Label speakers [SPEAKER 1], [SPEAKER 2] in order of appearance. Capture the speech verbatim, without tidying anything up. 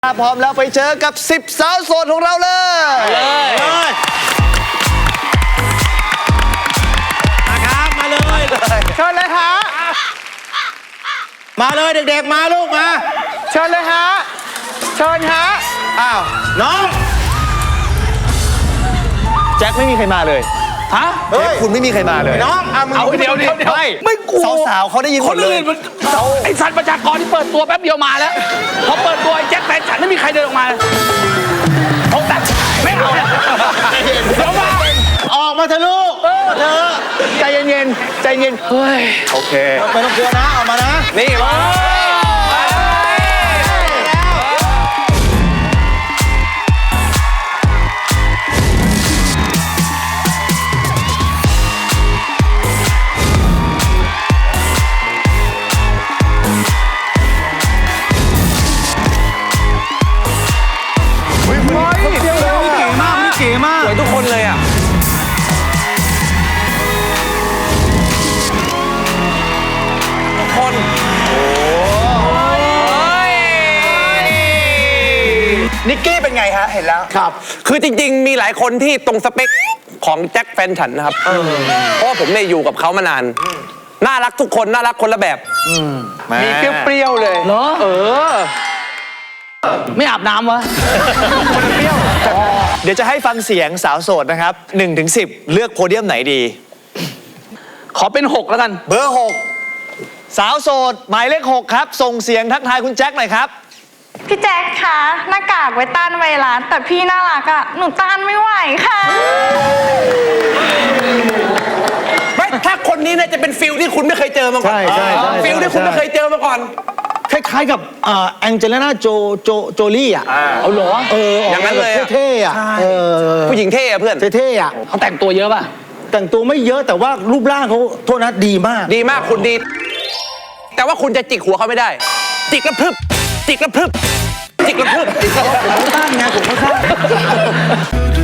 [SPEAKER 1] ถ้าพร้อมแล้วไปเจอกับสิบสาวโสดของเราเลยเลย
[SPEAKER 2] มาครับมาเลย
[SPEAKER 1] เชิญเลยฮะ
[SPEAKER 2] มาเลยเด็กๆมาลูกมา
[SPEAKER 1] เชิญเลยฮะเชิญฮะอ้าว
[SPEAKER 2] น้อง
[SPEAKER 1] แจ็คไม่มีใครมาเลย
[SPEAKER 3] ฮะ
[SPEAKER 1] เฮ้ยคุณไม่มีใครมาเลย
[SPEAKER 2] น้อง
[SPEAKER 3] เอาเดี๋ยวเดี๋ยว
[SPEAKER 1] ไม่
[SPEAKER 3] ไม่กลัว
[SPEAKER 1] สาวๆเขาได้ยินหมดเลย
[SPEAKER 3] ไอ้สัตว์ประชากรที่เปิดตัวแป๊บเดียวมาแล้วพอเปิดตัวไอ้แจ็คแฟนฉันไม่มีใครเดินออกมาผมแต่ไม่เอาเดี๋ยวมา
[SPEAKER 2] ออกมาเถอะลูกเออเธอ
[SPEAKER 1] ใจเย็นๆใจเย็น
[SPEAKER 3] เฮ้ย
[SPEAKER 1] โอเค
[SPEAKER 2] ไม่ต้องกลัวนะออกมานะ
[SPEAKER 1] นี่มา
[SPEAKER 3] สวยทุกคนเลยอ่ะทุกคนโอ้ย
[SPEAKER 1] นิกกี้เป็นไงฮะเห็นแล้ว
[SPEAKER 3] ครับคือจริงๆมีหลายคนที่ตรงสเปคของแจ็คแฟนฉันนะครับเพราะว่าผมเนี่ยอยู่กับเขามานานน่ารักทุกคนน่ารักคนละแบบ
[SPEAKER 1] มีเปรี้ยวๆเลย
[SPEAKER 3] เหรอเออไม่อาบน้ำวะ
[SPEAKER 1] เปรี้ยวเดี๋ยวจะให้ฟังเสียงสาวโสดนะครับหนึ่งถึงสิบเลือกโพเดียมไหนดี
[SPEAKER 3] ขอเป็นหกแล้วกัน
[SPEAKER 1] เบอร์หกสาวโสดหมายเลขหกครับส่งเสียงทักทายคุณแจ็คหน่อยครับ
[SPEAKER 4] พี่แจ็คคะหน้ากากไว้ต้านไวรัสแต่พี่น่ารักอะหนูต้านไม่ไหวค่ะ
[SPEAKER 3] ไม่ถ้าคนนี้เนี่ยจะเป็นฟิลที่คุณไม่เคยเจอมาก่อน
[SPEAKER 2] ใช่ใช่
[SPEAKER 3] ฟิลที่คุณไม่เคยเจอมาก่อน
[SPEAKER 2] คล้ายๆกับแองเจลิน่าโจโจโจลี่อ่ะ
[SPEAKER 3] เอาเหรอ
[SPEAKER 2] เออ
[SPEAKER 3] อย่างนั้นเลย
[SPEAKER 2] เท่ๆอ่ะ
[SPEAKER 3] ผู้หญิงเท่อะเพื่อน
[SPEAKER 2] เท่ๆอ่ะ
[SPEAKER 3] เขาแต่งตัวเยอะป่ะ
[SPEAKER 2] แต่งตัวไม่เยอะแต่ว่ารูปร่างเขาโทษนะดีมาก
[SPEAKER 3] ดีมากคุณดีแต่ว่าคุณจะจิกหัวเขาไม่ได้จิกกระพรึบจิกกระพรึบจิกกระพรึบ
[SPEAKER 2] ผมต้านไงผมก็ต้าน